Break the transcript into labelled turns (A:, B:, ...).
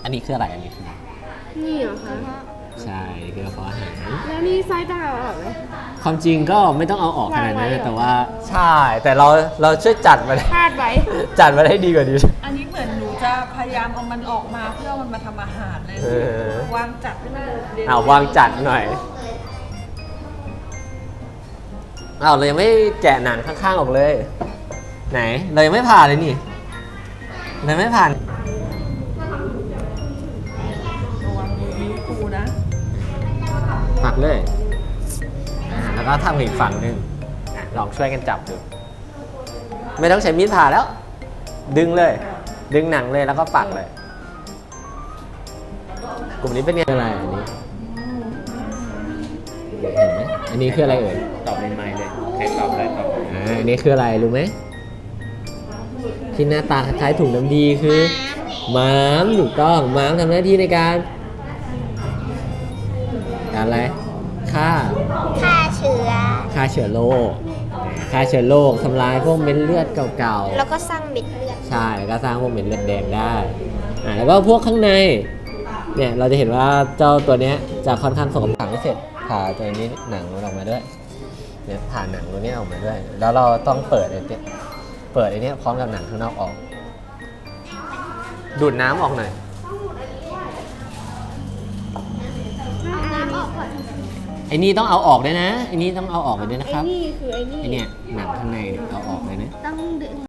A: อันนี้คืออะไรอันนี้คือ
B: นี่เหรอคะ
A: ใช่คือกระเพาะอาหาร
B: แล้วนี่ไส้ต้องเอาออกไหม
A: ความจริงก็ไม่ต้องเอาออกขนาดนั้น
B: วางไว้เหรอ
A: แต่ว่าใช่แต่เราช่วยจัดมัน
B: คาดไว้
A: จัดมันให้ดีกว่านี้
C: อันนี้เหมือนหนูจะพยายามเอามันออกมาเพื่อมันมาทำอาหารเลย
A: เออ
C: วางจัดให้มันเด่น
A: เอาวางจัดหน่อยเอาเรายังไม่แกะหนังข้างๆออกเลย ไหนเรายังไม่ผ่านเลยนี่เรายังไม่ผ่าน
C: ระวังมือนิ้วปูนะ
A: ปักเลยแล้วก็ทำอีกฝั่งหนึ่งลองช่วยกันจับดูไม่ต้องใช้มีดผ่าแล้ว ดึงเลย ดึงหนังเลยแล้วก็ปักเลย กลุ่มนี้เป็นไงอะไรอันนี้เห็นไหมอันนี้คืออะไรเอ่ย
D: ตอบในไมค์เลยใครตอบได้ตอบ
A: อันนี้คืออะไรรู้ไหมที่หน้าตาคล้ายๆถุงน้ำดีคือม้ามถูกต้องม้ามทำหน้าที่ในการอะไรฆ่า
E: ฆ่าเชื้อ
A: ฆ่าเชื้อโรคฆ่าเชื้อโรคทำลายพวกเม็ดเลือดเก่า
E: แล้วก็สร้างเม็ดเลือด
A: ๆใช่แล้วก็สร้างพวกเม็ดเลือดแดงได้แล้วก็พวกข้างในเนี่ยเราจะเห็นว่าเจ้าตัวเนี้ยจะค่อนข้างสกปรกไม่เสร็จผ่าตัวนี้หนังมันออกมาด้วยเนี่ยผ่าหนังตัวนี้ออกมาด้วย แล้วเราต้องเปิดไอ้เนี่ยพร้อมกับหนังข้างนอกออก ดูดน้ำออกหน่อย
E: น้ำออกก่อน
A: ไอ้นี่ต้องเอาออกด้วยนะไอ้นี่ต้องเอาออกไปด้วยนะ
B: ไอ้
A: ครับ
B: นี่คือไอ้นี่
A: ไอ้เนี่ยหนังข้างในเนี่ยเอาออกเลยนะ
E: ต้องดึง